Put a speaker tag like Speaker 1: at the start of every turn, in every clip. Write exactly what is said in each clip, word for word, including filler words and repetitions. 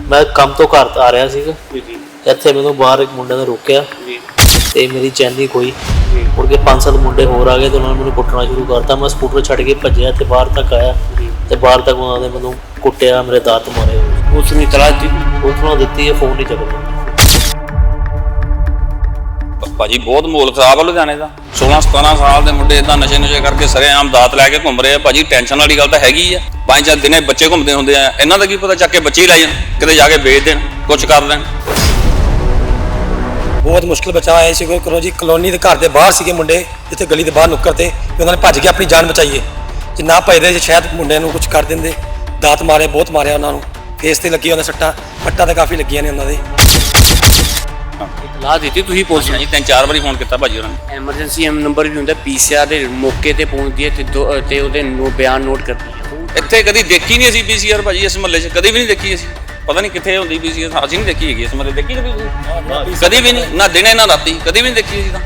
Speaker 1: मैं काम तो घर आ रहा ਸੀਗਾ ਇੱਥੇ ਮੈਨੂੰ ਬਾਹਰ ਇੱਕ ਮੁੰਡੇ ਨੇ ਰੋਕਿਆ ਤੇ ਮੇਰੀ ਚੈਨੀ ਕੋਈ ਮੁੜ ਕੇ ਪੰਜ ਸੱਤ ਮੁੰਡੇ ਹੋਰ ਆ ਗਏ ਤੇ ਉਹਨਾਂ ਨੇ ਮੈਨੂੰ ਕੁੱਟਣਾ ਸ਼ੁਰੂ ਕਰਤਾ। ਮੈਂ ਸਕੂਟਰ ਛੱਡ ਕੇ ਭੱਜਿਆ ਤੇ ਬਾਹਰ ਤੱਕ ਆਇਆ ਤੇ ਬਾਹਰ ਤੱਕ ਉਹਨਾਂ ਨੇ ਮੈਨੂੰ ਕੁੱਟਿਆ, ਮੇਰੇ ਦਾਤ ਮਾਰੇ।
Speaker 2: ਉਸ ਨੂੰ ਇਤਲਾਹ ਦਿੱਤੀ?
Speaker 1: ਉਸ ਨੂੰ ਦਿੱਤੀ ਹੈ, ਫੋਨ ਨਹੀਂ ਚੱਕਦਾ।
Speaker 3: ਭਾਜੀ ਬਹੁਤ ਮਾਹੌਲ ਖਰਾਬ ਆ ਲੁਧਿਆਣੇ ਦਾ। सोलह सतारह साल के मुंडे इदा नशे नुशे करके सरेआम दात लैके घूम रहे हैं। भाजी टेंशन वाली गल तो हैगी है। पाँच चार दिन बच्चे घूमते होंगे हैं, इन्हों का की पता चक के बच्चे ही लाई जान, किते जाके बेच देन, कुछ कर देन।
Speaker 4: बहुत मुश्किल बचा है इसी करो जी। कलोनी के घर के बाहर से मुंडे जिते गली के बाहर नुक्कर थे, उन्होंने भज के अपनी जान बचाई है। जे ना भजते शायद मुंडे नूं कुछ कर देंगे। दात मारे, बहुत मारे उन्होंने, फेस से लगी उन्हें सट्टा, पट्टा तो काफ़ी लगियां ने उन्होंने।
Speaker 2: इतलाह दी तुसीं पुलिस
Speaker 3: जी तीन चार बार फोन किया भाजी उन्होंने।
Speaker 2: एमरजेंसी नंबर भी होंगे, पीसीआर के मौके पर पहुँचती है तो ਉਹਦੇ बयान नोट करती है।
Speaker 3: ਇੱਥੇ ਕਦੀ ਦੇਖੀ ਨਹੀਂ ਅਸੀਂ ਪੀਸੀਆਰ ਭਾਜੀ, ਇਸ ਮਹੱਲੇ 'ਚ ਕਦੀ ਵੀ ਨਹੀਂ ਦੇਖੀ ਅਸੀਂ। ਪਤਾ ਨਹੀਂ ਕਿੱਥੇ ਹੁੰਦੀ ਪੀਸੀਆਰ, ਅਸੀਂ ਨਹੀਂ ਦੇਖੀ ਹੈਗੀ ਇਸ ਮਹੱਲੇ। ਦੇਖੀ ਕਦੀ ਕਦੀ ਵੀ ਨਹੀਂ, ਨਾ ਦਿਨੇ ਨਾ ਰਾਤੀ, ਕਦੀ ਵੀ ਨਹੀਂ ਦੇਖੀ ਅਸੀਂ ਤਾਂ।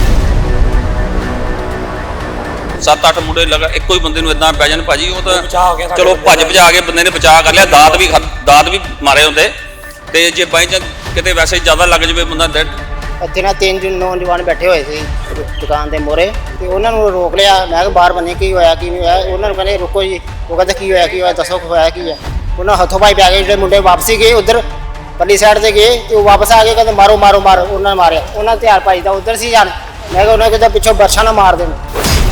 Speaker 3: ਸੱਤ ਅੱਠ ਮੁੰਡੇ ਲਗਾ ਇੱਕੋ ਹੀ ਬੰਦੇ ਨੂੰ ਇਦਾਂ ਪੈ ਜਾਣ ਭਾਜੀ, ਉਹ ਤਾਂ ਚਲੋ ਭੱਜ ਭਜਾ ਕੇ ਬੰਦੇ ਨੇ ਬਚਾ ਕਰ ਲਿਆ। ਦਾਤ ਵੀ ਦਾਤ ਵੀ ਮਾਰੇ ਹੁੰਦੇ ਤੇ ਜੇ ਬਾਈ ਚਾਂਸ ਕਿਤੇ ਵੈਸੇ ਜ਼ਿਆਦਾ ਲੱਗ ਜਾਵੇ ਬੰਦਾ ਡੈਡ।
Speaker 5: ਇੱਥੇ ਨਾ ਤਿੰਨ ਨੌਜਵਾਨ ਬੈਠੇ ਹੋਏ ਸੀ ਦੁਕਾਨ ਦੇ ਮੋਰੇ ਤੇ ਉਹਨਾਂ ਨੂੰ ਰੋਕ ਲਿਆ। ਮੈਂ ਕਿਹਾ ਬਾਹਰ ਬੰਨੇ ਕੀ ਹੋਇਆ ਕੀ ਨਹੀਂ ਹੋਇਆ। ਉਹਨਾਂ ਨੂੰ ਕਹਿੰਦੇ ਰੁਕੋ ਜੀ। ਉਹ ਕਹਿੰਦੇ ਕੀ ਹੋਇਆ ਕੀ ਹੋਇਆ ਦੱਸੋ ਹੋਇਆ ਕੀ ਹੈ। ਉਹਨਾਂ ਹੱਥੋਂ ਪਾਈ ਪੈ ਗਏ। ਜਿਹੜੇ ਮੁੰਡੇ ਵਾਪਸੀ ਗਏ ਉੱਧਰ ਪੱਲੀ ਸਾਈਡ ਤੇ ਗਏ ਤੇ ਉਹ ਵਾਪਸ ਆ ਕੇ ਕਹਿੰਦੇ ਮਾਰੋ ਮਾਰੋ ਮਾਰੋ। ਉਹਨਾਂ ਨੇ ਮਾਰਿਆ। ਉਹਨਾਂ ਧਿਆਨ ਭਾਈ ਦਾ ਉੱਧਰ ਸੀ ਜਾਣ। ਮੈਂ ਕਿਹਾ ਉਹਨਾਂ ਕਿਤੇ ਪਿੱਛੋਂ ਬਰਸ਼ਾ ਨਾ ਮਾਰ ਦੇਣ।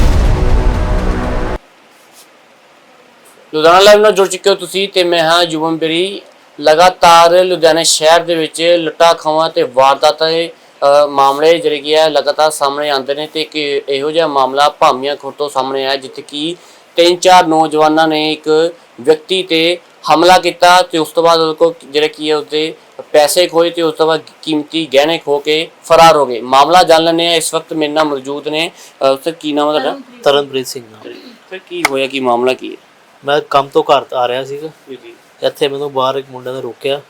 Speaker 2: ਲੁਧਿਆਣਾ ਲਾਈਵ ਨਾਲ ਜੁੜ ਚੁੱਕੇ ਹੋ ਤੁਸੀਂ ਤੇ ਮੈਂ ਹਾਂ ਯੁਵਮ ਬੇਰੀ। ਲਗਾਤਾਰ ਲੁਧਿਆਣਾ ਸ਼ਹਿਰ ਦੇ ਵਿੱਚ ਲੁੱਟਾਂ ਖੋਹਾਂ ਤੇ ਵਾਰਦਾਤਾਂ ਦੇ ਮਾਮਲੇ ਜਿਹੜੇ ਕੀ ਹੈ ਲਗਾਤਾਰ ਸਾਹਮਣੇ ਆਉਂਦੇ ਨੇ ਤੇ ਇੱਕ ਇਹੋ ਜਿਹਾ ਮਾਮਲਾ ਭਾਮੀਆਂ ਖੁਰਦ ਤੋਂ ਸਾਹਮਣੇ ਆਇਆ ਜਿੱਥੇ ਕਿ ਤਿੰਨ ਚਾਰ ਨੌਜਵਾਨਾਂ ਨੇ ਇੱਕ ਵਿਅਕਤੀ ਤੇ ਹਮਲਾ ਕੀਤਾ ਤੇ ਉਸ ਤੋਂ ਬਾਅਦ ਉਹਦੇ ਕੋਲ ਜਿਹੜੇ ਕੀ ਹੈ ਉਸਦੇ ਪੈਸੇ ਖੋਏ ਤੇ ਉਸ ਤੋਂ ਬਾਅਦ ਕੀਮਤੀ ਗਹਿਣੇ ਖੋ ਕੇ ਫਰਾਰ ਹੋ ਗਏ। ਮਾਮਲਾ ਜਾਣ ਲੈਂਦੇ ਹਾਂ। ਇਸ ਵਕਤ ਮੇਰੇ ਨਾਲ ਮੌਜੂਦ ਨੇ ਸਰ, ਕੀ ਨਾਮ ਹੈ ਤੁਹਾਡਾ?
Speaker 1: ਤਰਨਪ੍ਰੀਤ ਸਿੰਘ ਨਾਮ।
Speaker 2: ਸਰ ਕੀ ਹੋਇਆ, ਕੀ ਮਾਮਲਾ ਕੀ ਹੈ?
Speaker 1: ਮੈਂ ਕੰਮ ਤੋਂ ਘਰ ਆ ਰਿਹਾ ਸੀਗਾ, ਇੱਥੇ ਮੈਨੂੰ ਬਾਹਰ ਇੱਕ ਮੁੰਡੇ ਨੇ ਰੋਕਿਆ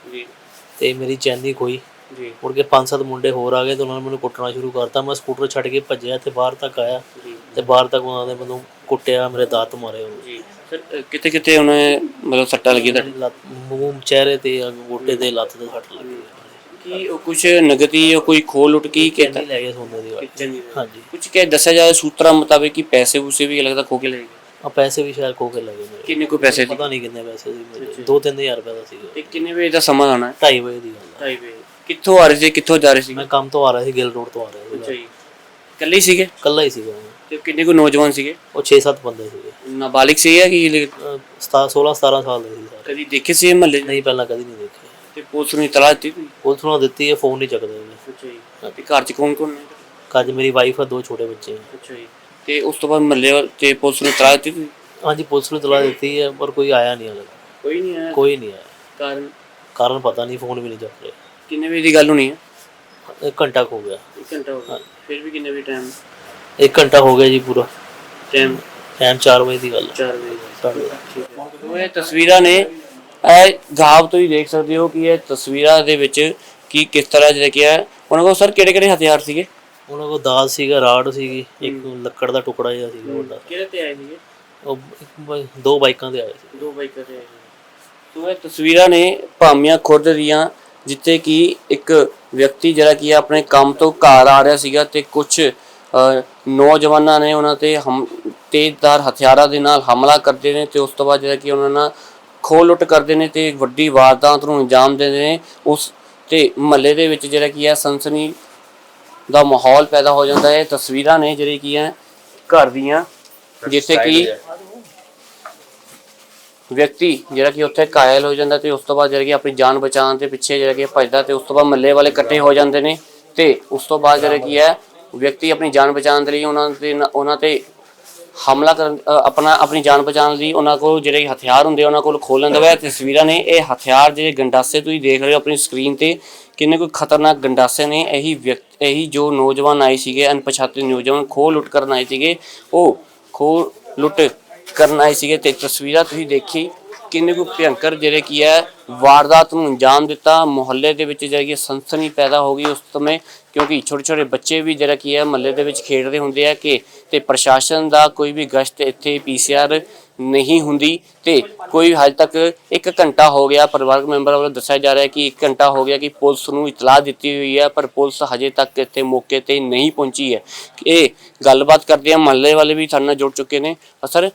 Speaker 1: ਤੇ ਮੇਰੀ ਚੈਨੀ ਖੋਈ। ਮੁੜ ਕੇ ਪੰਜ ਸੱਤ ਮੁੰਡੇ ਹੋਰ ਆ ਗਏ ਤੇ ਉਹਨਾਂ ਨੇ ਮੈਨੂੰ ਕੁੱਟਣਾ ਸ਼ੁਰੂ ਕਰਤਾ। ਮੈਂ ਸਕੂਟਰ ਛੱਡ ਕੇ ਭੱਜਿਆ ਤੇ ਬਾਹਰ ਤੱਕ ਆਇਆ ਤੇ ਬਾਹਰ ਤੱਕ ਉਹਨਾਂ ਨੇ ਮੈਨੂੰ ਕੁੱਟਿਆ, ਮੇਰੇ ਦਾਤ ਮਾਰੇ।
Speaker 2: ਸਰ ਕਿਤੇ ਕਿਤੇ ਉਹਨੇ ਮਤਲਬ ਸੱਟਾਂ ਲੱਗੀਆਂ ਤੁਹਾਡੀ?
Speaker 1: ਲੱਤ, ਮੂੰਹ, ਚਿਹਰੇ ਤੇ, ਗੋਡੇ ਤੇ, ਲੱਤ ਤੇ ਸੱਟ ਲੱਗੀ।
Speaker 2: ਕੀ ਉਹ ਕੁਛ ਨਗਦੀ ਜਾਂ ਕੋਈ ਖੋਲ ਲੁੱਟ ਕੀ
Speaker 1: ਚੈਨੀ ਲੈ ਗਏ ਸੋਨੇ ਦੀ। ਹਾਂਜੀ,
Speaker 2: ਕੁਛ ਕਹਿ ਦੱਸਿਆ ਜਾਏ ਸੂਤਰਾਂ ਮੁਤਾਬਿਕ ਕਿ ਪੈਸੇ ਪੂਸੇ ਵੀ ਲੱਗਦਾ ਖੋ ਕੇ ਲੈ ਗਏ।
Speaker 1: ਆ ਪੈਸੇ ਵੀ ਸ਼ਾਇਦ ਖੋ ਕੇ ਲੈ ਗਏ ਮੇਰੇ।
Speaker 2: ਕਿੰਨੇ ਕੋਈ ਪੈਸੇ
Speaker 1: ਪਤਾ ਨਹੀਂ ਕਿੰਨੇ ਪੈਸੇ ਸੀ ਮੇਰੇ। ਦੋ ਤਿੰਨ ਹਜ਼ਾਰ ਰੁਪਏ ਦਾ ਸੀਗਾ।
Speaker 2: ਤੇ ਕਿੰਨੇ ਵਜੇ ਦਾ ਸਮਾਂ ਆਣਾ?
Speaker 1: ਢਾਈ ਵਜੇ ਦੀ ਗੱਲ।
Speaker 2: ਢਾਈ ਵਜੇ। ਕਿੱਥੋਂ ਆ ਰਹੇ ਸੀ, ਕਿੱਥੋਂ ਜਾ ਰਹੇ ਸੀ?
Speaker 1: ਮੈਂ ਕੰਮ ਤੋਂ ਆ ਰਿਹਾ ਸੀ, ਗਿੱਲ ਰੋਡ ਤੋਂ ਆ ਰਿਹਾ ਸੀ।
Speaker 2: ਅੱਛਾ ਜੀ। ਇਕੱਲੇ ਹੀ ਸੀਗੇ?
Speaker 1: ਇਕੱਲਾ ਹੀ ਸੀਗਾ।
Speaker 2: ਤੇ ਕਿੰਨੇ ਕੋਈ ਨੌਜਵਾਨ ਸੀਗੇ?
Speaker 1: ਉਹ ਛੇ ਸੱਤ ਬੰਦੇ ਸੀਗੇ।
Speaker 2: ਨਾਬਾਲਿਗ ਸੀਗੇ ਕਿ
Speaker 1: ਸੋਲਾਂ ਸਤਾਰਾਂ ਸਾਲ ਦੇ ਸੀ ਸਾਰੇ।
Speaker 2: ਕਦੀ ਦੇਖੇ ਸੀ ਮਹੱਲੇ?
Speaker 1: ਨਹੀਂ, ਪਹਿਲਾਂ ਕਦੀ ਨਹੀਂ ਦੇਖੇ।
Speaker 2: ਤੇ ਪੁਲਿਸ ਨੂੰ ਇਤਲਾਹ ਦਿੱਤੀ?
Speaker 1: ਪੁਲਿਸ ਨੂੰ ਦਿੱਤੀ ਹੈ, ਫੋਨ ਨਹੀਂ ਚੱਕਦੇ।
Speaker 2: ਅੱਛਾ ਜੀ। ਤੇ ਘਰ 'ਚ ਕੌਣ ਕੌਣ ਨੇ?
Speaker 1: ਘਰ 'ਚ ਮੇਰੀ ਵਾਈਫ ਆ, ਦੋ ਛੋਟੇ ਬੱਚੇ।
Speaker 2: ਅੱਛਾ ਜੀ। ਤੇ ਉਸ ਤੋਂ ਬਾਅਦ ਮਹੱਲੇ ਤੇ ਪੁਲਿਸ ਨੂੰ ਇਤਲਾਹ ਦਿੱਤੀ?
Speaker 1: ਹਾਂਜੀ, ਪੁਲਿਸ ਨੂੰ ਇਤਲਾਹ ਦਿੱਤੀ ਹੈ ਪਰ ਕੋਈ ਆਇਆ ਨਹੀਂ ਹਾਲੇ।
Speaker 2: ਕੋਈ ਨਹੀਂ ਆਇਆ?
Speaker 1: ਕੋਈ ਨਹੀਂ ਆਇਆ।
Speaker 2: ਕਾਰਨ?
Speaker 1: ਕਾਰਨ ਪਤਾ ਨਹੀਂ, ਫੋਨ ਵੀ ਨਹੀਂ ਚੱਕ ਰਹੇ।
Speaker 2: ਕਿੰਨੇ ਵਜੇ ਦੀ ਗੱਲ ਹੋਣੀ ਹੈ?
Speaker 1: ਇੱਕ ਘੰਟਾ ਹੋ ਗਿਆ।
Speaker 2: ਇੱਕ ਘੰਟਾ ਹੋ ਗਿਆ। ਫਿਰ ਵੀ ਕਿੰਨੇ ਵਜੇ ਟਾਈਮ?
Speaker 1: ਇੱਕ ਘੰਟਾ ਹੋ ਗਿਆ ਜੀ ਪੂਰਾ।
Speaker 2: ਟਾਈਮ?
Speaker 1: ਟਾਈਮ ਚਾਰ ਵਜੇ ਦੀ ਗੱਲ ਹੈ।
Speaker 2: ਚਾਰ ਵਜੇ। ਉਹ ਇਹ ਤਸਵੀਰਾਂ ਨੇ, ਇਹ ਗਾਵ ਤੋਂ ਹੀ ਦੇਖ ਸਕਦੇ ਹੋ ਕਿ ਇਹ ਤਸਵੀਰਾਂ ਦੇ ਵਿੱਚ ਕੀ ਕਿਸ ਤਰ੍ਹਾਂ ਜਿਹੜਾ ਕੀ ਹੈ ਉਹਨਾਂ ਕੋਲ। ਸਰ ਕਿਹੜੇ ਕਿਹੜੇ ਹਥਿਆਰ ਸੀਗੇ
Speaker 1: ਉਹਨਾਂ ਕੋਲ? ਦਾਲ ਸੀਗਾ, ਰਾੜ ਸੀਗੀ, ਇੱਕ ਲੱਕੜ ਦਾ ਟੁਕੜਾ ਜਿਹਾ ਸੀਗਾ ਵੱਡਾ।
Speaker 2: ਕਿਹਦੇ ਤੇ ਆਏ ਸੀਗੇ
Speaker 1: ਉਹ? ਦੋ ਬਾਈਕਾਂ ਤੇ ਆਏ ਸੀ।
Speaker 2: ਦੋ ਬਾਈਕਾਂ ਤੇ ਆਏ ਸੀ। ਸੋ ਇਹ ਤਸਵੀਰਾਂ ਨੇ ਭਾਮੀਆਂ ਖੁਰਦ ਦੀਆਂ ਜਿੱਥੇ ਕਿ ਇੱਕ ਵਿਅਕਤੀ ਜਿਹੜਾ ਕੀ ਆਪਣੇ ਕੰਮ ਤੋਂ ਘਰ ਆ ਰਿਹਾ ਸੀਗਾ ਤੇ ਕੁਝ ਨੌਜਵਾਨਾਂ ਨੇ ਉਹਨਾਂ ਤੇ ਹਮ ਤੇਜ਼ਧਾਰ ਹਥਿਆਰਾਂ ਦੇ ਨਾਲ ਹਮਲਾ ਕਰਦੇ ਨੇ ਤੇ ਉਸ ਤੋਂ ਬਾਅਦ ਜਿਹੜਾ ਕਿ ਉਹਨਾਂ ਨਾਲ ਖੋਹ ਲੁੱਟ ਕਰਦੇ ਨੇ ਤੇ ਵੱਡੀ ਵਾਰਦਾਤ ਨੂੰ ਅੰਜਾਮ ਦਿੰਦੇ ਨੇ। ਉਸ ਤੇ ਮਹੱਲੇ ਦੇ ਵਿੱਚ ਜਿਹੜਾ ਕੀ ਹੈ ਸਨਸਨੀ ਦਾ ਮਾਹੌਲ ਪੈਦਾ ਹੋ ਜਾਂਦਾ ਹੈ। ਤਸਵੀਰਾਂ ਨੇ ਜਿਹੜੀ ਕੀ ਹੈ ਘਰ ਦੀਆਂ ਜਿੱਥੇ ਕਿ ਵਿਅਕਤੀ ਜਿਹੜਾ ਕਿ ਉੱਥੇ ਘਾਇਲ ਹੋ ਜਾਂਦਾ ਤੇ ਉਸ ਤੋਂ ਬਾਅਦ ਜਿਹੜਾ ਕਿ ਆਪਣੀ ਜਾਨ ਬਚਾਉਣ ਦੇ ਪਿੱਛੇ ਜਿਹੜਾ ਕਿ ਭੱਜਦਾ ਤੇ ਉਸ ਤੋਂ ਬਾਅਦ ਮਹੱਲੇ ਵਾਲੇ ਇਕੱਠੇ ਹੋ ਜਾਂਦੇ ਨੇ ਤੇ ਉਸ ਤੋਂ ਬਾਅਦ ਜਿਹੜਾ ਕੀ ਹੈ ਵਿਅਕਤੀ ਆਪਣੀ ਜਾਨ ਬਚਾਉਣ ਦੇ ਲਈ ਉਹਨਾਂ ਦੇ ਉਹਨਾਂ ਤੇ ਹਮਲਾ ਕਰਨ ਆਪਣਾ ਆਪਣੀ ਜਾਨ ਬਚਾਉਣ ਲਈ ਉਹਨਾਂ ਕੋਲ ਜਿਹੜੇ ਹਥਿਆਰ ਹੁੰਦੇ ਉਹਨਾਂ ਕੋਲ ਖੋਹ ਲੈਂਦਾ ਵਾ। ਤਸਵੀਰਾਂ ਨੇ ਇਹ ਹਥਿਆਰ ਜਿਹੜੇ ਗੰਡਾਸੇ ਤੁਸੀਂ ਦੇਖ ਰਹੇ ਹੋ ਆਪਣੀ ਸਕਰੀਨ ਤੇ ਕਿੰਨੇ ਕੋਈ ਖਤਰਨਾਕ ਗੰਡਾਸੇ ਨੇ। ਇਹੀ ਵਿਅਕਤੀ ਇਹੀ ਜੋ ਨੌਜਵਾਨ ਆਏ ਸੀਗੇ ਅਣਪਛਾਤੇ ਨੌਜਵਾਨ ਖੋਹ ਲੁੱਟ ਕਰਨ ਆਏ ਸੀਗੇ, ਉਹ ਖੋਹ ਲੁੱਟ ਕਰਨ ਆਏ ਸੀਗੇ ਤੇ ਤਸਵੀਰਾਂ ਤੁਸੀਂ ਦੇਖੀ ਕਿੰਨੇ ਕੁ ਭਿਅੰਕਰ ਜਿਹੜੇ ਕੀ ਹੈ ਵਾਰਦਾਤ ਨੂੰ ਅੰਜਾਮ ਦਿੱਤਾ। ਮੁਹੱਲੇ ਦੇ ਵਿੱਚ ਜਿਹੜੀ ਸਨਸਨੀ ਪੈਦਾ ਹੋ ਗਈ ਉਸ ਸਮੇਂ, ਕਿਉਂਕਿ ਛੋਟੇ ਛੋਟੇ ਬੱਚੇ ਵੀ ਜਿਹੜਾ ਕੀ ਹੈ ਮੁਹੱਲੇ ਦੇ ਵਿੱਚ ਖੇਡਦੇ ਹੁੰਦੇ ਆ ਕਿ ਤੇ ਪ੍ਰਸ਼ਾਸਨ ਦਾ ਕੋਈ ਵੀ ਗਸ਼ਤ ਇੱਥੇ ਪੀਸੀਆਰ ਨਹੀਂ ਹੁੰਦੀ ਤੇ ਕੋਈ ਹਜੇ ਤੱਕ ਇੱਕ ਘੰਟਾ ਹੋ ਗਿਆ, ਪਰਿਵਾਰਕ ਮੈਂਬਰਾਂ ਵੱਲੋਂ ਦੱਸਿਆ ਜਾ ਰਿਹਾ ਕਿ ਇੱਕ ਘੰਟਾ ਹੋ ਗਿਆ ਕਿ ਪੁਲਿਸ ਨੂੰ ਇਤਲਾਹ ਦਿੱਤੀ ਹੋਈ ਹੈ, ਪਰ ਪੁਲਿਸ ਹਜੇ ਤੱਕ ਇੱਥੇ ਮੌਕੇ ਤੇ ਨਹੀਂ ਪਹੁੰਚੀ ਹੈ। ਇਹ ਗੱਲਬਾਤ ਕਰਦੇ ਆ, ਮੁਹੱਲੇ ਵਾਲੇ ਵੀ ਸਾਡੇ ਨਾਲ ਜੁੜ ਚੁੱਕੇ ਨੇ। ਸਰ,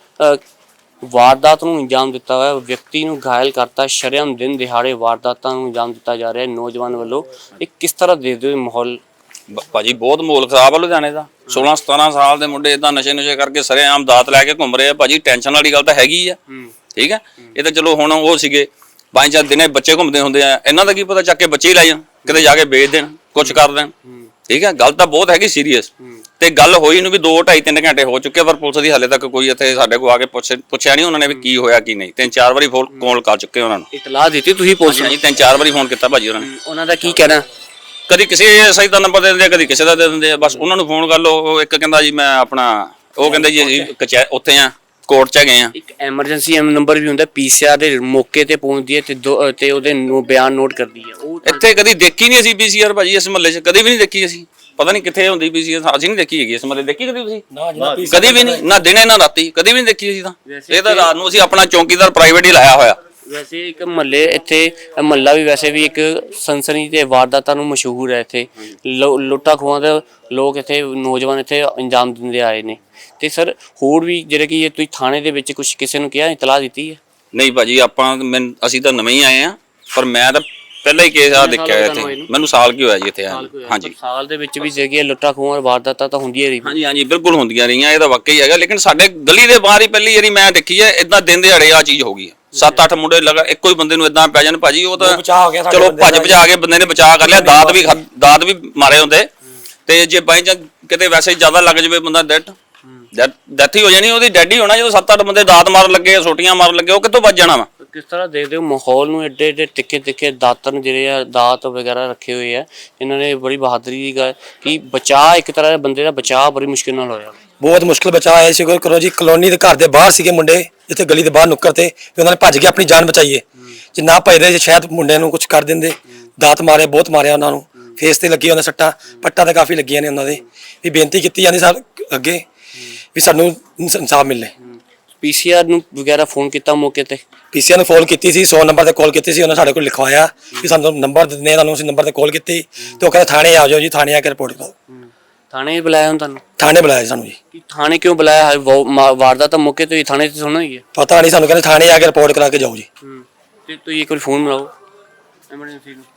Speaker 2: ਵਾਰਦਾਤ ਨੂੰ ਅੰਜਾਮ ਦਿੱਤਾ ਹੋਇਆ, ਵਿਅਕਤੀ ਨੂੰ ਘਾਇਲ ਕਰਤਾ, ਸ਼ਰੇਆਮ ਦਿਨ ਦਿਹਾੜੇ ਵਾਰਦਾਤਾਂ ਨੂੰ ਅੰਜਾਮ ਦਿੱਤਾ ਜਾ ਰਿਹਾ ਨੌਜਵਾਨ ਵੱਲੋਂ। ਇਹ ਕਿਸ ਤਰ੍ਹਾਂ ਦੇਖਦੇ ਹੋ ਮਾਹੌਲ?
Speaker 3: ਬ- ਭਾਜੀ ਬਹੁਤ ਮਾਹੌਲ ਖਰਾਬ ਆ ਲੁਧਿਆਣੇ ਦਾ। ਸੋਲਾਂ ਸਤਾਰਾਂ ਸਾਲ ਦੇ ਮੁੰਡੇ ਇਦਾਂ ਨਸ਼ੇ ਨੁਸ਼ੇ ਕਰਕੇ ਸਰੇਆਮ ਦਾਤ ਲੈ ਕੇ ਘੁੰਮ ਰਹੇ ਆ। ਭਾਜੀ ਟੈਨਸ਼ਨ ਵਾਲੀ ਗੱਲ ਤਾਂ ਹੈਗੀ ਆ, ਠੀਕ ਹੈ। ਇਹ ਤਾਂ ਚਲੋ ਹੁਣ ਉਹ ਸੀਗੇ ਪੰਜ ਚਾਰ ਦਿਨੇ ਬੱਚੇ ਘੁੰਮਦੇ ਹੁੰਦੇ ਆ, ਇਹਨਾਂ ਦਾ ਕੀ ਪਤਾ ਚੱਕ ਕੇ ਬੱਚੇ ਹੀ ਲੈ ਜਾਣ, ਕਿਤੇ ਜਾ ਕੇ ਵੇਚ ਦੇਣ, ਕੁਛ ਕਰ ਦੇਣ, ਠੀਕ ਹੈ। ਗੱਲ ਤਾਂ ਬਹੁਤ ਹੈਗੀ ਸੀਰੀਅਸ, ਤੇ ਗੱਲ ਹੋਈ ਨੂੰ ਵੀ ਦੋ ਢਾਈ ਤਿੰਨ ਘੰਟੇ ਹੋ ਚੁੱਕੇ, ਪਰ ਪੁਲਿਸ ਦੀ ਹਾਲੇ ਤੱਕ ਕੋਈ ਇੱਥੇ ਸਾਡੇ ਕੋਲ ਆ ਕੇ ਪੁੱਛ ਪੁੱਛਿਆ ਨਹੀਂ ਉਹਨਾਂ ਨੇ ਵੀ ਕੀ ਹੋਇਆ ਕੀ ਨਹੀਂ। ਤਿੰਨ ਚਾਰ ਵਾਰੀ ਫੋਨ ਕਾਲ ਕਰ ਚੁੱਕੇ ਉਹਨਾਂ ਨੂੰ,
Speaker 2: ਇਤਲਾਹ ਦਿੱਤੀ ਤੁਸੀਂ ਪੁਲਿਸ ਨੂੰ?
Speaker 3: ਹਾਂਜੀ ਤਿੰਨ ਚਾਰ ਵਾਰੀ ਫੋਨ ਕੀਤਾ ਭਾਜੀ ਉਹਨਾਂ ਨੇ।
Speaker 2: ਉਹਨਾਂ ਦਾ ਕੀ ਕਹਿਣਾ?
Speaker 3: ਕਦੀ ਕਿਸੇ ਸਹੀ ਦਾ ਨੰਬਰ ਦੇ ਦਿੰਦੇ ਆ, ਕਦੀ ਕਿਸੇ ਦਾ ਦੇ ਦਿੰਦੇ ਆ। ਬਸ ਉਹਨਾਂ ਨੂੰ ਫੋਨ ਕਰ ਲਓ। ਉਹ ਇੱਕ ਕਹਿੰਦਾ ਜੀ ਮੈਂ ਆਪਣਾ, ਉਹ ਕਹਿੰਦੇ ਜੀ ਅਸੀਂ ਕਚਹਿ ਉੱਥੇ ਆ, ਕੋਰਟ 'ਚ ਗਏ ਆ।
Speaker 2: ਇੱਕ ਐਮਰਜੈਂਸੀ ਨੰਬਰ ਵੀ ਹੁੰਦਾ, ਪੀਸੀਆਰ ਦੇ ਮੌਕੇ ਤੇ ਪਹੁੰਚਦੀ ਹੈ ਤੇ ਦੋ ਤੇ ਉਹਦੇ ਨੂੰ ਬਿਆਨ ਨੋਟ ਕਰਦੀ ਹੈ। ਉਹ
Speaker 3: ਇੱਥੇ ਕਦੀ ਦੇਖੀ ਨਹੀਂ ਅਸੀਂ ਪੀਸੀਆਰ ਭਾਜੀ, ਇਸ ਮਹੱਲੇ 'ਚ ਕਦੀ ਵੀ ਨਹੀਂ ਦੇਖੀ ਅਸੀਂ। ਪਤਾ ਨਹੀਂ ਕਿੱਥੇ ਹੁੰਦੀ ਪੀਸੀਆਰ, ਅਸੀਂ ਨਹੀਂ ਦੇਖੀ ਹੈਗੀ ਇਸ ਮਹੱਲੇ। ਦੇਖੀ ਕਦੀ ਤੁਸੀਂ? ਕਦੀ ਵੀ ਨਹੀਂ, ਨਾ ਦਿਨੇ ਨਾ ਰਾਤੀ, ਕਦੀ ਵੀ ਨਹੀਂ ਦੇਖੀ ਅਸੀਂ ਤਾਂ। ਇਹ ਤਾਂ ਰਾਤ ਨੂੰ ਅਸੀਂ ਆਪਣਾ ਚੌਕੀਦਾਰ ਪ੍ਰਾਈਵੇਟ ਹੀ ਲਾਇਆ ਹੋਇਆ।
Speaker 2: ਵੈਸੇ ਇੱਕ ਮਹੱਲੇ ਇੱਥੇ ਮਹੱਲਾ ਵੀ ਵੈਸੇ ਵੀ ਇੱਕ ਸਨਸਨੀ ਤੇ ਵਾਰਦਾਤਾਂ ਨੂੰ ਮਸ਼ਹੂਰ ਹੈ। ਇੱਥੇ ਲੁੱਟਾਂ ਖੋਹਾਂ ਦੇ ਲੋਕ ਇੱਥੇ ਨੌਜਵਾਨ ਇੱਥੇ ਅੰਜਾਮ ਦਿੰਦੇ ਆਏ ਨੇ। ਤੇ ਸਰ, ਹੋਰ ਵੀ ਜਿਹੜੇ ਕਿ ਤੁਸੀਂ ਥਾਣੇ ਦੇ ਵਿੱਚ ਕੁਝ ਕਿਸੇ ਨੂੰ ਕਿਹਾ, ਇਤਲਾਹ ਦਿੱਤੀ ਹੈ?
Speaker 3: ਨਹੀਂ ਭਾਜੀ, ਆਪਾਂ ਮੈਨੂੰ ਅਸੀਂ ਤਾਂ ਨਵੇਂ ਹੀ ਆਏ ਆ, ਪਰ ਮੈਂ ਤਾਂ ਪਹਿਲਾਂ ਹੀ ਕੇਸ ਆ ਦੇਖਿਆ ਇੱਥੇ। ਮੈਨੂੰ ਸਾਲ ਕੀ ਹੋਇਆ ਜੀ ਇੱਥੇ ਆਇਆ। ਹਾਂਜੀ,
Speaker 2: ਸਾਲ ਦੇ ਵਿੱਚ ਵੀ ਜਿਹੜੀ ਲੁੱਟਾਂ ਖੋਹਾਂ ਵਾਰਦਾਤਾਂ ਤਾਂ ਹੁੰਦੀਆਂ ਰਹੀਆਂ।
Speaker 3: ਹਾਂਜੀ ਹਾਂਜੀ ਬਿਲਕੁਲ ਹੁੰਦੀਆਂ ਰਹੀਆਂ, ਇਹ ਤਾਂ ਵਾਕਈ ਹੈਗਾ। ਲੇਕਿਨ ਸਾਡੇ ਗਲੀ ਦੇ ਬਾਹਰ ਹੀ ਪਹਿਲੀ ਵਾਰੀ ਮੈਂ ਦੇਖੀ ਹੈ ਇਦਾਂ ਦਿਨ ਦਿਹਾੜੇ ਆ ਚੀਜ਼ ਹੋ ਗਈ ਹੈ। ਸੱਤ ਅੱਠ ਮੁੰਡੇ ਲਗਾ ਇੱਕੋ ਹੀ ਬੰਦੇ ਨੂੰ ਇਦਾਂ ਪੈ ਜਾਣ ਭਾਜੀ, ਉਹ ਤਾਂ ਚਲੋ ਭੱਜ ਭਜਾ ਕੇ ਬੰਦੇ ਨੇ ਬਚਾ ਕਰ ਲਿਆ। ਦਾਤ ਵੀ ਦਾਤ ਵੀ ਮਾਰੇ ਹੁੰਦੇ, ਤੇ ਜੇ ਬਾਈ ਜਾਂ ਕਿਤੇ ਵੈਸੇ ਜ਼ਿਆਦਾ ਲੱਗ ਜਾਵੇ ਬੰਦਾ ਡੈਡ ਡੈਥ ਹੀ ਹੋ ਜਾਣੀ, ਉਹਦੀ ਡੈਡ ਹੀ ਹੋਣਾ। ਜਦੋਂ ਸੱਤ ਅੱਠ ਬੰਦੇ ਦਾਤ ਮਾਰਨ ਲੱਗੇ, ਸੋਟੀਆਂ ਮਾਰਨ ਲੱਗੇ, ਉਹ ਕਿੱਥੋਂ ਬਚ ਜਾਣਾ ਵਾ?
Speaker 2: ਕਿਸ ਤਰ੍ਹਾਂ ਦੇਖਦੇ ਹੋ ਮਾਹੌਲ ਨੂੰ? ਐਡੇ ਐਡੇ ਤਿੱਖੇ ਤਿੱਖੇ ਦਾਤਨ ਜਿਹੜੇ ਆ, ਦਾਤ ਵਗੈਰਾ ਰੱਖੇ ਹੋਏ ਆ ਇਹਨਾਂ ਨੇ। ਬੜੀ ਬਹਾਦਰੀ ਦੀ ਗੱਲ ਕਿ ਬਚਾਅ, ਇੱਕ ਤਰ੍ਹਾਂ ਦੇ ਬੰਦੇ ਦਾ ਬਚਾਅ ਬੜੀ ਮੁਸ਼ਕਿਲ ਨਾਲ ਹੋਇਆ।
Speaker 4: ਬਹੁਤ ਮੁਸ਼ਕਿਲ ਬਚਾਅ ਹੈ। ਸ਼ੁਕਰ ਕਰੋ ਜੀ, ਕਲੋਨੀ ਦੇ ਘਰ ਦੇ ਬਾਹਰ ਸੀਗੇ ਮੁੰਡੇ, ਜਿੱਥੇ ਗਲੀ ਦੇ ਬਾਹਰ ਨੁੱਕਰ ਤੇ, ਵੀ ਉਹਨਾਂ ਨੇ ਭੱਜ ਕੇ ਆਪਣੀ ਜਾਨ ਬਚਾਈ ਹੈ। ਜੇ ਨਾ ਭੱਜਦੇ ਜੇ ਸ਼ਾਇਦ ਮੁੰਡਿਆਂ ਨੂੰ ਕੁਝ ਕਰ ਦਿੰਦੇ। ਦਾਤ ਮਾਰੇ, ਬਹੁਤ ਮਾਰਿਆ ਉਹਨਾਂ ਨੂੰ, ਫੇਸ ਤੇ ਲੱਗੀ ਉਹਨਾਂ ਸੱਟਾਂ, ਪੱਟਾਂ ਤਾਂ ਕਾਫੀ ਲੱਗੀਆਂ ਨੇ ਉਹਨਾਂ ਦੇ। ਵੀ ਬੇਨਤੀ ਕੀਤੀ ਜਾਂਦੀ ਸਰ ਅੱਗੇ ਵੀ ਸਾਨੂੰ ਇਨਸਾਫ ਮਿਲੇ।
Speaker 2: ਪੀਸੀਆਰ ਨੂੰ ਵਗੈਰਾ ਫੋਨ ਕੀਤਾ ਮੌਕੇ ਤੇ?
Speaker 4: ਪੀਸੀਆਰ ਨੂੰ ਫੋਨ ਕੀਤੀ ਸੀ, ਸੌ ਨੰਬਰ ਤੇ ਕਾਲ ਕੀਤੀ ਸੀ। ਉਹਨਾਂ ਸਾਡੇ ਕੋਲ ਲਿਖਵਾਇਆ ਕਿ ਸਾਨੂੰ ਨੰਬਰ ਦਿੰਦੇ, ਤੁਹਾਨੂੰ ਅਸੀਂ ਨੰਬਰ ਤੇ ਕਾਲ ਕੀਤੀ ਤੇ ਉਹ ਕਹਿੰਦੇ ਥਾਣੇ ਆ ਜਾਓ ਜੀ, ਥਾਣੇ ਆ ਕੇ ਰਿਪੋਰਟ ਕਰੋ।
Speaker 2: ਥਾਣੇ ਬੁਲਾਇਆ ਹੁਣ ਤੁਹਾਨੂੰ?
Speaker 4: ਥਾਣੇ ਬੁਲਾਇਆ ਸਾਨੂੰ ਜੀ।
Speaker 2: ਕਿ ਥਾਣੇ ਕਿਉਂ ਬੁਲਾਇਆ? ਵਾਰਦਾਤ ਤਾਂ ਮੌਕੇ ਤੇ ਹੀ ਥਾਣੇ ਤੇ ਸੁਣਨਾ ਹੀ ਹੈ।
Speaker 4: ਪਤਾ ਨਹੀਂ ਸਾਨੂੰ, ਕਹਿੰਦੇ ਥਾਣੇ ਆ ਕੇ ਰਿਪੋਰਟ ਕਰਾ ਕੇ ਜਾਓ ਜੀ।
Speaker 2: ਤੇ ਤੁਸੀਂ ਇੱਕ ਵਾਰ ਫੋਨ ਮਿਲਾਓ ਐਮਰਜੈਂਸੀ ਨੂੰ।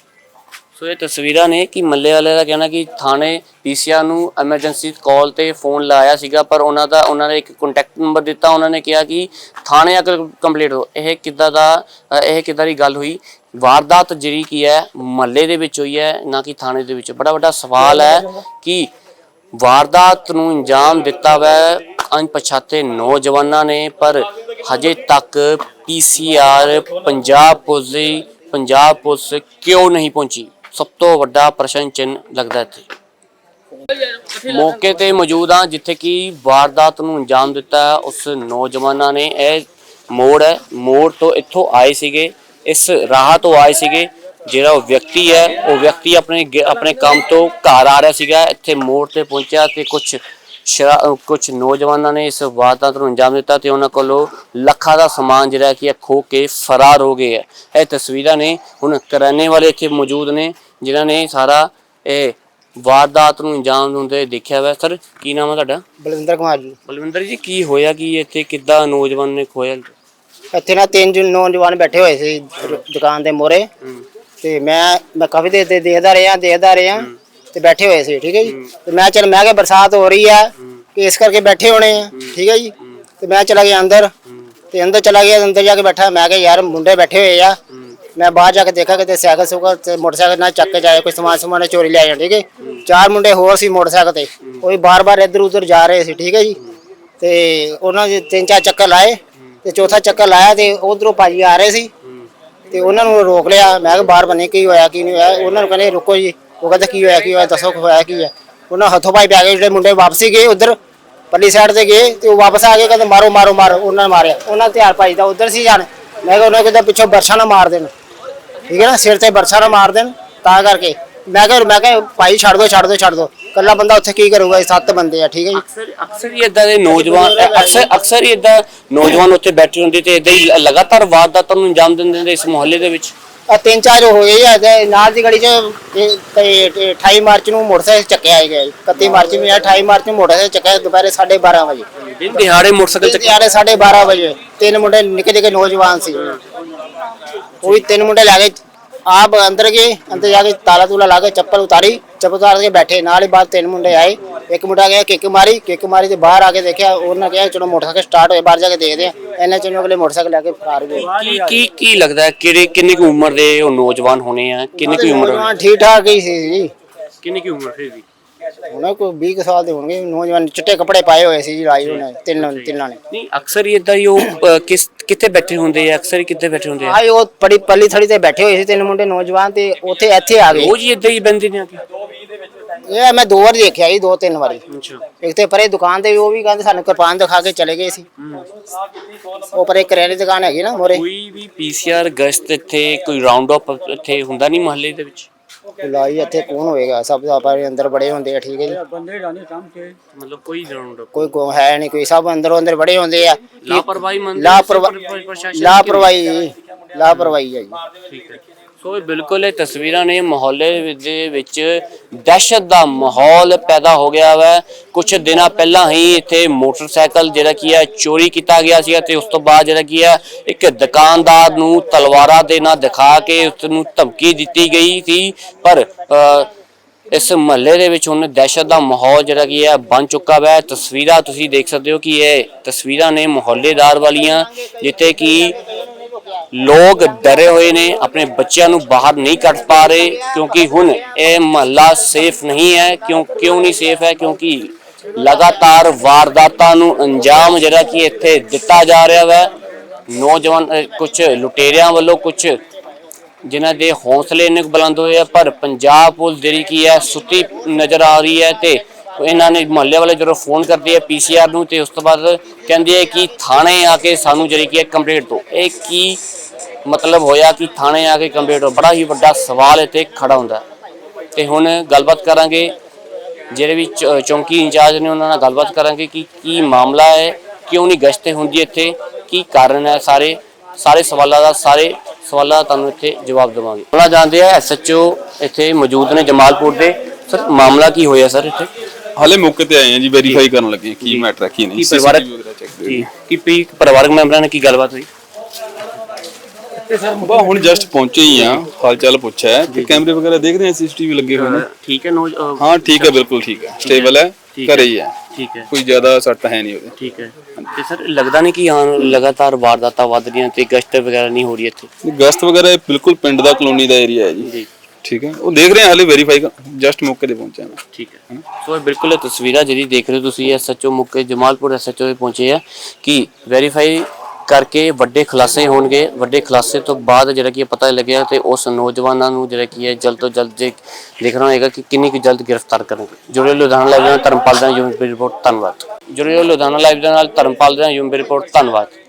Speaker 2: ਸੋ ਇਹ ਤਸਵੀਰਾਂ ਨੇ ਕਿ ਮੱਲੇ ਵਾਲੇ ਦਾ ਕਹਿਣਾ ਕਿ ਥਾਣੇ ਪੀਸੀਆਰ ਨੂੰ ਐਮਰਜੈਂਸੀ ਕਾਲ ਤੇ ਫੋਨ ਲਾਇਆ ਸੀਗਾ, ਪਰ ਉਹਨਾਂ ਦਾ ਉਹਨਾਂ ਨੇ ਇੱਕ ਕੰਟੈਕਟ ਨੰਬਰ ਦਿੱਤਾ। ਉਹਨਾਂ ਨੇ ਕਿਹਾ ਕਿ ਥਾਣੇ ਆ ਕੇ ਕੰਪਲੀਟ ਹੋ। ਇਹ ਕਿੱਦਾਂ ਦਾ ਇਹ ਕਿੱਦਾਂ ਦੀ ਗੱਲ ਹੋਈ? ਵਾਰਦਾਤ ਜਿਹੜੀ ਕੀ ਹੈ ਮਹੱਲੇ ਦੇ ਵਿੱਚ ਹੋਈ ਹੈ, ਨਾ ਕਿ ਥਾਣੇ ਦੇ ਵਿੱਚ। ਬੜਾ ਵੱਡਾ ਸਵਾਲ ਹੈ ਕਿ ਵਾਰਦਾਤ ਨੂੰ ਅੰਜਾਮ ਦਿੱਤਾ ਵੈ ਅਣਪਛਾਤੇ ਨੌਜਵਾਨਾਂ ਨੇ, ਪਰ ਹਜੇ ਤੱਕ ਪੀਸੀਆਰ ਪੰਜਾਬ ਪੁਲਿਸ ਦੀ ਪੰਜਾਬ ਪੁਲਿਸ ਕਿਉਂ ਨਹੀਂ ਪਹੁੰਚੀ? ਸਭ ਤੋਂ ਵੱਡਾ ਪ੍ਰਸ਼ਨ ਚਿੰਨ੍ਹ ਲੱਗਦਾ ਇੱਥੇ। ਮੌਕੇ ਤੇ ਮੌਜੂਦ ਹਾਂ ਜਿੱਥੇ ਕਿ ਵਾਰਦਾਤ ਨੂੰ ਅੰਜਾਮ ਦਿੱਤਾ ਉਸ ਨੌਜਵਾਨਾਂ ਨੇ। ਇਹ ਮੋੜ ਹੈ, ਮੋੜ ਤੋਂ ਇੱਥੋਂ ਆਏ ਸੀਗੇ, ਇਸ ਰਾਹ ਤੋਂ ਆਏ ਸੀਗੇ। ਜਿਹੜਾ ਉਹ ਵਿਅਕਤੀ ਹੈ, ਉਹ ਵਿਅਕਤੀ ਆਪਣੇ ਆਪਣੇ ਕੰਮ ਤੋਂ ਘਰ ਆ ਰਿਹਾ ਸੀਗਾ, ਇੱਥੇ ਮੋੜ ਤੇ ਪਹੁੰਚਿਆ ਤੇ ਕੁਝ ਸ਼ਰਾ ਕੁਝ ਨੌਜਵਾਨਾਂ ਨੇ ਇਸ ਵਾਰਦਾਤ ਨੂੰ ਅੰਜਾਮ ਦਿੱਤਾ ਤੇ ਉਹਨਾਂ ਕੋਲੋਂ ਲੱਖਾਂ ਦਾ ਸਮਾਨ ਜਿਹੜਾ ਕਿ ਖੋਹ ਕੇ ਫਰਾਰ ਹੋ ਗਏ ਹੈ। ਇਹ ਤਸਵੀਰਾਂ ਨੇ। ਹੁਣ ਕਰਿਆਨੇ ਵਾਲੇ ਇੱਥੇ ਮੌਜੂਦ ਨੇ ਜਿਨ੍ਹਾਂ ਨੇ ਸਾਰਾ ਇਹ ਵਾਰਦਾਤ ਨੂੰ ਅੰਜਾਮ ਦਿੰਦੇ ਦੇਖਿਆ ਵਾ। ਸਰ, ਕੀ ਨਾਮ ਹੈ ਤੁਹਾਡਾ?
Speaker 5: ਬਲਵਿੰਦਰ ਕੁਮਾਰ ਜੀ।
Speaker 2: ਬਲਵਿੰਦਰ ਜੀ, ਕੀ ਹੋਇਆ ਕਿ ਇੱਥੇ ਕਿੱਦਾਂ ਨੌਜਵਾਨ ਨੇ ਖੋਇਆ?
Speaker 5: ਇੱਥੇ ਨਾ ਤਿੰਨ ਜਣ ਨੌਜਵਾਨ ਬੈਠੇ ਹੋਏ ਸੀ ਦੁਕਾਨ ਦੇ ਮੋਰੇ, ਤੇ ਮੈਂ ਮੈਂ ਕਾਫੀ ਦੇਰ ਤੇ ਦੇਖਦਾ ਰਿਹਾ ਦੇਖਦਾ ਰਿਹਾ ਤੇ ਬੈਠੇ ਹੋਏ ਸੀ, ਠੀਕ ਹੈ ਜੀ। ਤੇ ਮੈਂ ਚਲ ਮੈਂ ਕਿਹਾ ਬਰਸਾਤ ਹੋ ਰਹੀ ਹੈ ਕਿ ਇਸ ਕਰਕੇ ਬੈਠੇ ਹੋਣੇ ਆ, ਠੀਕ ਹੈ ਜੀ। ਤੇ ਮੈਂ ਚਲਾ ਗਿਆ ਅੰਦਰ, ਤੇ ਅੰਦਰ ਚਲਾ ਗਿਆ, ਅੰਦਰ ਜਾ ਕੇ ਬੈਠਾ। ਮੈਂ ਕਿਹਾ ਯਾਰ ਮੁੰਡੇ ਬੈਠੇ ਹੋਏ ਆ। ਮੈਂ ਬਾਹਰ ਜਾ ਕੇ ਦੇਖਾ ਕਿ ਸਾਈਕਲ ਸੁਕਲ ਤੇ ਮੋਟਰਸਾਈਕਲ ਨਾਲ ਚੱਕ ਕੇ ਜਾਏ, ਕੋਈ ਸਮਾਨ ਸਮਾਨ ਚੋਰੀ ਲੈ ਜਾਣ, ਠੀਕ ਹੈ। ਚਾਰ ਮੁੰਡੇ ਹੋਰ ਸੀ ਮੋਟਰਸਾਈਕਲ ਤੇ, ਉਹ ਵੀ ਬਾਰ-ਬਾਰ ਇੱਧਰ ਉੱਧਰ ਜਾ ਰਹੇ ਸੀ, ਠੀਕ ਹੈ ਜੀ। ਤੇ ਉਹਨਾਂ ਦੇ ਤਿੰਨ ਚਾਰ ਚੱਕਰ ਲਾਏ ਤੇ ਚੌਥਾ ਚੱਕਰ ਲਾਇਆ ਤੇ ਉਧਰੋਂ ਭਾਜੀ ਆ ਰਹੇ ਸੀ ਤੇ ਉਹਨਾਂ ਨੂੰ ਰੋਕ ਲਿਆ। ਮੈਂ ਕਿਹਾ ਬਾਹਰ ਬਣੇ ਕੀ ਹੋਇਆ ਕੀ ਨਹੀਂ ਹੋਇਆ। ਉਹਨਾਂ ਨੂੰ ਕਹਿੰਦੇ ਰੁਕੋ ਜੀ। ਉਹ ਕਹਿੰਦੇ ਕੀ ਹੋਇਆ ਕੀ ਹੋਇਆ ਦੱਸੋ ਕੀ ਹੋਇਆ ਕੀ ਹੈ। ਉਹਨਾਂ ਹੱਥੋਂ ਪਾਈ ਪੈ ਗਏ। ਜਿਹੜੇ ਮੁੰਡੇ ਵਾਪਸੀ ਗਏ ਉਧਰ ਪਰਲੀ ਸਾਈਡ ਤੇ ਗਏ ਤੇ ਉਹ ਵਾਪਸ ਆ ਕੇ ਕਹਿੰਦੇ ਮਾਰੋ ਮਾਰੋ ਮਾਰੋ। ਉਹਨਾਂ ਨੇ ਮਾਰਿਆ। ਉਹਨਾਂ ਧਿਆਨ ਭਾਈ ਦਾ ਉਧਰ ਸੀ ਜਾਣ ਮੈਂ ਕਿਹਾ ਉਹਨਾਂ ਕਿਤੇ ਪਿੱਛੋਂ ਬਰਸ਼ਾ ਨਾ ਮਾਰ ਦੇਣ, ਠੀਕ ਹੈ ਨਾ, ਸਿਰ ਤੇ ਬਰਸ਼ਾ ਨਾ ਮਾਰ ਦੇਣ, ਤਾਂ ਕਰਕੇ ਮੈਂ ਕਿਹਾ ਮੈਂ ਕਿਹਾ ਭਾਈ ਛੱਡ ਦੋ ਛੱਡ ਦੋ ਛੱਡ ਦੋ, ਇਕੱਲਾ ਬੰਦਾ ਉੱਥੇ ਕੀ ਕਰੂਗਾ, ਸੱਤ ਬੰਦੇ ਆ, ਠੀਕ ਹੈ ਜੀ।
Speaker 2: ਅਕਸਰ ਅਕਸਰ ਹੀ ਇਦਾਂ ਦੇ ਨੌਜਵਾਨ ਅਕਸਰ ਅਕਸਰ ਹੀ ਇਦਾਂ ਨੌਜਵਾਨ ਉੱਥੇ ਬੈਠੇ ਹੁੰਦੇ ਤੇ ਇਦਾਂ ਹੀ ਲਗਾਤਾਰ ਵਾਰਦਾਤਾਂ ਨੂੰ ਅੰਜਾਮ ਦਿੰਦੇ ਨੇ ਇਸ ਮੁਹੱਲੇ ਦੇ ਵਿੱਚ।
Speaker 5: ਆ ਤਿੰਨ ਚਾਰ ਹੋ ਗਏ ਆ ਤੇ ਨਾਲ ਦੀ ਗਲੀ 'ਚ ਇਹ ਤੇ- ਤੇ ਅਠਾਈ ਮਾਰਚ ਨੂੰ ਮੋਟਰਸਾਈਕਲ ਚੱਕਿਆ ਗਿਆ, ਇਕੱਤੀ ਮਾਰਚ ਨੂੰ ਅਠਾਈ ਮਾਰਚ ਨੂੰ ਮੋਟਰਸਾਈਕਲ ਚੱਕਿਆ ਦੁਪਹਿਰੇ ਸਾਢੇ ਬਾਰਾਂ ਵਜੇ,
Speaker 2: ਦਿਨ ਦਿਹਾੜੇ ਮੋਟਰਸਾਈਕਲ ਚੱਕ
Speaker 5: ਦਿਹਾੜੇ ਸਾਢੇ ਬਾਰਾਂ ਵਜੇ। ਤਿੰਨ ਮੁੰਡੇ ਨਿੱਕੇ ਨਿੱਕੇ ਨੌਜਵਾਨ ਸੀ, ਉਹ ਵੀ ਤਿੰਨ ਮੁੰਡੇ ਲੈ ਕੇ ਆਪ ਅੰਦਰ ਗਏ, ਅੰਦਰ ਜਾ ਕੇ ਤਾਲਾ ਤੂਲਾ ਲਾ ਕੇ ਚੱਪਲ ਉਤਾਰੀ, ਚੱਪਲ ਉਤਾਰ ਕੇ ਬੈਠੇ, ਨਾਲ ਹੀ ਬਾਅਦ ਤਿੰਨ ਮੁੰਡੇ ਆਏ, ਇੱਕ ਮੁੰਡਾ ਗਿਆ ਕਿੱਕ ਮਾਰੀ, ਕਿੱਕ ਮਾਰੀ ਤੇ ਬਾਹਰ ਆ ਕੇ ਦੇਖਿਆ, ਉਹਨਾਂ ਕਿਹਾ ਚਲੋ ਮੋਟਰਸਾਈਕਲ ਸਟਾਰਟ ਹੋਏ ਬਾਹਰ ਜਾ ਕੇ ਦੇਖਦੇ ਆ, ਇੰਨੇ ਚ ਅਗਲੇ ਮੋਟਰਸਾਈਕਲ ਲੈ ਕੇ ਫਰਾਰ ਹੋ ਗਏ।
Speaker 2: ਕੀ ਕੀ ਕੀ ਲੱਗਦਾ ਹੈ ਕਿਹੜੇ ਕਿੰਨੀ ਕੁ ਉਮਰ ਦੇ ਉਹ ਨੌਜਵਾਨ ਹੋਣੇ ਆ, ਕਿੰਨੀ ਕੁ ਉਮਰ
Speaker 5: ਨੌਜਵਾਨ ਠੀਕ ਠਾਕ ਹੀ ਸੀ ਜੀ,
Speaker 2: ਕਿੰਨੀ ਕੁ ਉਮਰ ਸੀ?
Speaker 5: ਉਹਨਾਂ ਕੋਈ ਵੀਹ ਕੁ ਸਾਲ ਦੇ ਹੋਣਗੇ ਨੌਜਵਾਨ, ਚਿੱਟੇ ਕੱਪੜੇ ਪਾਏ ਹੋਏ ਸੀ ਜੀ, ਲਾਈ ਉਹਨੇ ਤਿੰਨ ਤਿੰਨਾਂ ਨੇ।
Speaker 2: ਨਹੀਂ ਅਕਸਰ ਹੀ ਇਦਾਂ ਹੀ ਉਹ ਅ, ਕਿਸ ਕਿੱਥੇ ਬੈਠੇ ਹੁੰਦੇ ਆ, ਅਕਸਰ ਹੀ ਕਿੱਥੇ ਬੈਠੇ ਹੁੰਦੇ ਆ?
Speaker 5: ਆਏ ਉਹ ਬੜੀ ਪੱਲੀ ਥੜੀ ਤੇ ਬੈਠੇ ਹੋਏ ਸੀ ਤਿੰਨ ਮੁੰਡੇ ਨੌਜਵਾਨ, ਤੇ ਉੱਥੇ ਇੱਥੇ ਆ ਗਏ।
Speaker 2: ਰੋਜ਼ ਹੀ ਇਦਾਂ ਹੀ ਬੰਦੇ ਨੇ ਆ ਕੇ?
Speaker 5: ਇਹ ਮੈਂ ਦੋ ਵਾਰ ਦੇਖਿਆ ਜੀ, ਦੋ ਤਿੰਨ ਵਾਰੀ।
Speaker 2: ਅੱਛਾ।
Speaker 5: ਇੱਕ ਤੇ ਪਰੇ ਦੁਕਾਨ ਤੇ ਉਹ ਵੀ ਕਹਿੰਦੇ ਸਾਨੂੰ ਕਿਰਪਾਨ ਦਿਖਾ ਕੇ ਚਲੇ ਗਏ ਸੀ, ਉਹ ਪਰੇ ਕਰਿਆਨੇ ਦੀ ਦੁਕਾਨ ਹੈਗੀ ਨਾ ਮੋਰੇ।
Speaker 2: ਕੋਈ ਵੀ ਪੀਸੀਆਰ ਗਸ਼ਤ ਇੱਥੇ ਕੋਈ ਰਾਉਂਡ ਅਪ ਇੱਥੇ ਹੁੰਦਾ ਨਹੀਂ ਮੁਹੱਲੇ ਦੇ ਵਿੱਚ?
Speaker 5: ਲਾਈ ਇੱਥੇ ਕੌਣ ਹੋਏਗਾ, ਸਭ ਆਪਣੇ ਅੰਦਰ ਬੜੇ ਹੁੰਦੇ ਆ, ਠੀਕ ਹੈ ਜੀ।
Speaker 2: ਮਤਲਬ ਕੋਈ ਰਾਉਂਡ ਅਪ
Speaker 5: ਕੋਈ ਕੋ ਹੈ ਨਹੀਂ, ਕੋਈ ਸਭ ਅੰਦਰੋਂ ਅੰਦਰ ਬੜੇ ਹੁੰਦੇ ਆ।
Speaker 2: ਲਾਪਰਵਾਹੀ ਮੰਨਦੇ
Speaker 5: ਲਾਪਰਵਾਹੀ
Speaker 2: ਪ੍ਰਸ਼ਾਸਨ?
Speaker 5: ਲਾਪਰਵਾਹੀ ਜੀ, ਲਾਪਰਵਾਹੀ ਹੈ ਜੀ।
Speaker 2: ਠੀਕ ਹੈ। ਸੋ ਇਹ ਬਿਲਕੁਲ ਇਹ ਤਸਵੀਰਾਂ ਨੇ ਮੁਹੱਲੇ ਦੇ ਵਿੱਚ ਦਹਿਸ਼ਤ ਦਾ ਮਾਹੌਲ ਪੈਦਾ ਹੋ ਗਿਆ ਵਾ। ਕੁਝ ਦਿਨਾਂ ਪਹਿਲਾਂ ਹੀ ਇੱਥੇ ਮੋਟਰਸਾਈਕਲ ਜਿਹੜਾ ਕੀ ਹੈ ਚੋਰੀ ਕੀਤਾ ਗਿਆ ਸੀ ਤੇ ਉਸ ਤੋਂ ਬਾਅਦ ਜਿਹੜਾ ਕੀ ਹੈ ਇੱਕ ਦੁਕਾਨਦਾਰ ਨੂੰ ਤਲਵਾਰਾਂ ਦੇ ਨਾਲ ਦਿਖਾ ਕੇ ਉਸ ਨੂੰ ਧਮਕੀ ਦਿੱਤੀ ਗਈ ਸੀ। ਪਰ ਇਸ ਮਹੱਲੇ ਦੇ ਵਿੱਚ ਹੁਣ ਦਹਿਸ਼ਤ ਦਾ ਮਾਹੌਲ ਜਿਹੜਾ ਕੀ ਹੈ ਬਣ ਚੁੱਕਾ ਵਾ। ਤਸਵੀਰਾਂ ਤੁਸੀਂ ਦੇਖ ਸਕਦੇ ਹੋ ਕਿ ਇਹ ਤਸਵੀਰਾਂ ਨੇ ਮੁਹੱਲੇਦਾਰ ਵਾਲੀਆਂ, ਜਿੱਥੇ ਕਿ ਲੋਕ ਡਰੇ ਹੋਏ ਨੇ, ਆਪਣੇ ਬੱਚਿਆਂ ਨੂੰ ਬਾਹਰ ਨਹੀਂ ਕੱਢ ਪਾ ਰਹੇ ਕਿਉਂਕਿ ਹੁਣ ਇਹ ਮਹੱਲਾ ਸੇਫ ਨਹੀਂ ਹੈ। ਕਿਉਂ ਕਿਉਂ ਨਹੀਂ ਸੇਫ ਹੈ? ਕਿਉਂਕਿ ਲਗਾਤਾਰ ਵਾਰਦਾਤਾਂ ਨੂੰ ਅੰਜਾਮ ਜਿਹੜਾ ਕਿ ਇੱਥੇ ਦਿੱਤਾ ਜਾ ਰਿਹਾ ਹੈ। ਨੌਜਵਾਨ ਕੁਝ ਲੁਟੇਰਿਆਂ ਵੱਲੋਂ, ਕੁਝ ਜਿਨ੍ਹਾਂ ਦੇ ਹੌਸਲੇ ਇੰਨੇ ਬੁਲੰਦ ਹੋਏ ਆ, ਪਰ ਪੰਜਾਬ ਪੁਲਿਸ ਜਿਹੜੀ ਕੀ ਹੈ ਸੁੱਤੀ ਨਜ਼ਰ ਆ ਰਹੀ ਹੈ। ਤੇ ਇਹਨਾਂ ਨੇ ਮੁਹੱਲੇ ਵਾਲੇ ਜਦੋਂ ਫੋਨ ਕਰਦੇ ਆ ਪੀਸੀਆਰ ਨੂੰ ਤੇ ਉਸ ਤੋਂ ਬਾਅਦ ਕਹਿੰਦੇ ਆ ਕਿ ਥਾਣੇ ਆ ਕੇ ਸਾਨੂੰ ਜਿਹੜੀ ਕੀ ਹੈ ਕੰਪਲੇਂਟ ਦਿਓ। ਇਹ ਕੀ ਮਤਲਬ ਹੋਇਆ ਕਿ ਥਾਣੇ ਆ ਕੇ ਕੰਪਲੇਂਟ ਦਿਓ? ਬੜਾ ਹੀ ਵੱਡਾ ਸਵਾਲ ਇੱਥੇ ਖੜਾ ਹੁੰਦਾ। ਤੇ ਹੁਣ ਗੱਲਬਾਤ ਕਰਾਂਗੇ ਜਿਹੜੇ ਵੀ ਚੌਂਕੀ ਇੰਚਾਰਜ ਨੇ, ਉਹਨਾਂ ਨਾਲ ਗੱਲਬਾਤ ਕਰਾਂਗੇ ਕਿ ਕੀ ਮਾਮਲਾ ਹੈ, ਕਿਉਂ ਨਹੀਂ ਗਸ਼ਤ ਹੁੰਦੀ ਇੱਥੇ, ਕੀ ਕਾਰਨ ਹੈ। ਸਾਰੇ ਸਾਰੇ ਸਵਾਲਾਂ ਦਾ ਸਾਰੇ ਸਵਾਲਾਂ ਦਾ ਤੁਹਾਨੂੰ ਇੱਥੇ ਜਵਾਬ ਦੇਵਾਂਗੇ। ਉਹਨਾਂ ਜਾਣਦੇ ਆ ਐਸਐਚਓ ਇੱਥੇ ਮੌਜੂਦ ਨੇ ਜਮਾਲਪੁਰ ਦੇ। ਸਰ ਮਾਮਲਾ ਕੀ ਹੋਇਆ ਸਰ ਇੱਥੇ?
Speaker 3: ਹਾਲੇ ਮੌਕੇ ਤੇ ਆਏ ਆ ਜੀ, ਵੈਰੀਫਾਈ ਕਰਨ ਲੱਗੇ ਕੀ ਮੈਟਰ ਹੈ ਕੀ ਨਹੀਂ।
Speaker 2: ਕੀ ਪਰਿਵਾਰਕ ਜੀ ਕੀ ਪੀ ਪਰਿਵਾਰਕ ਮੈਂਬਰਾਂ ਨਾਲ ਕੀ ਗੱਲਬਾਤ ਹੋਈ?
Speaker 3: ਬਾ ਹੁਣ ਜਸਟ ਪਹੁੰਚੇ ਹੀ ਆ, ਹਾਲ ਚਾਲ ਪੁੱਛਿਆ ਤੇ ਕੈਮਰੇ ਵਗੈਰਾ ਦੇਖ ਰਹੇ ਆ, ਸੀਸੀਟੀਵੀ ਲੱਗੇ ਹੋਏ ਨੇ।
Speaker 2: ਠੀਕ ਹੈ ਨੋ
Speaker 3: ਹਾਂ ਠੀਕ ਹੈ, ਬਿਲਕੁਲ ਠੀਕ ਹੈ, ਸਟੇਬਲ ਹੈ, ਘਰੇ ਹੀ ਹੈ,
Speaker 2: ਠੀਕ ਹੈ,
Speaker 3: ਕੋਈ ਜ਼ਿਆਦਾ ਸੱਟ ਹੈ ਨਹੀਂ ਉਹਦੇ।
Speaker 2: ਠੀਕ ਹੈ। ਤੇ ਸਰ ਲੱਗਦਾ ਨਹੀਂ ਕਿ ਹਾਂ ਲਗਾਤਾਰ ਵਾਰਦਾਤਾਂ ਵੱਧ ਰਹੀਆਂ ਤੇ ਗਸ਼ਤ ਵਗੈਰਾ ਨਹੀਂ ਹੋ ਰਹੀ ਇੱਥੇ?
Speaker 3: ਗਸ਼ਤ ਵਗੈਰਾ ਇਹ ਬਿਲਕੁਲ ਪਿੰਡ ਦਾ ਕਲੋਨੀ ਦਾ ਏਰੀਆ ਹੈ ਜੀ। ਠੀਕ ਹੈ, ਉਹ ਦੇਖ ਰਹੇ ਆ, ਹਾਲੇ ਵੈਰੀਫਾਈ ਜਸਟ ਮੌਕੇ ਤੇ ਪਹੁੰਚਿਆ ਮੈਂ।
Speaker 2: ਠੀਕ ਹੈ। ਸੋ ਇਹ ਬਿਲਕੁਲ ਇਹ ਤਸਵੀਰਾਂ ਜਿਹੜੀ ਦੇਖ ਰਹੇ ਹੋ ਤੁਸੀਂ, ਐਸਐਚਓ ਮੌਕੇ ਜਮਾਲਪੁਰ ਐਸਐਚਓ ਤੇ ਪਹੁੰਚੇ ਆ ਕਿ ਵੈਰੀਫਾਈ ਕਰਕੇ ਵੱਡੇ ਖੁਲਾਸੇ ਹੋਣਗੇ। ਵੱਡੇ ਖੁਲਾਸੇ ਤੋਂ ਬਾਅਦ ਜਿਹੜਾ ਕਿ ਪਤਾ ਲੱਗਿਆ ਤੇ ਉਸ ਨੌਜਵਾਨਾਂ ਨੂੰ ਜਿਹੜਾ ਕੀ ਹੈ ਜਲਦ ਤੋਂ ਜਲਦ ਜੇ ਦੇਖਣਾ ਹੋਏਗਾ ਕਿ ਕਿੰਨੀ ਕੁ ਜਲਦ ਗ੍ਰਿਫਤਾਰ ਕਰਨਗੇ। ਜੁੜੇ ਲੁਧਿਆਣਾ ਲਾਈਵ ਨਾਲ ਧਰਮਪਾਲ ਦਾ ਯੂਮ ਰਿਪੋਰਟ। ਧੰਨਵਾਦ। ਜੁੜੇ ਲੁਧਿਆਣਾ ਲਾਈਵ ਦੇ ਨਾਲ ਧਰਮਪਾਲ ਦਾ ਯੂਮ ਰਿਪੋਰਟ। ਧੰਨਵਾਦ।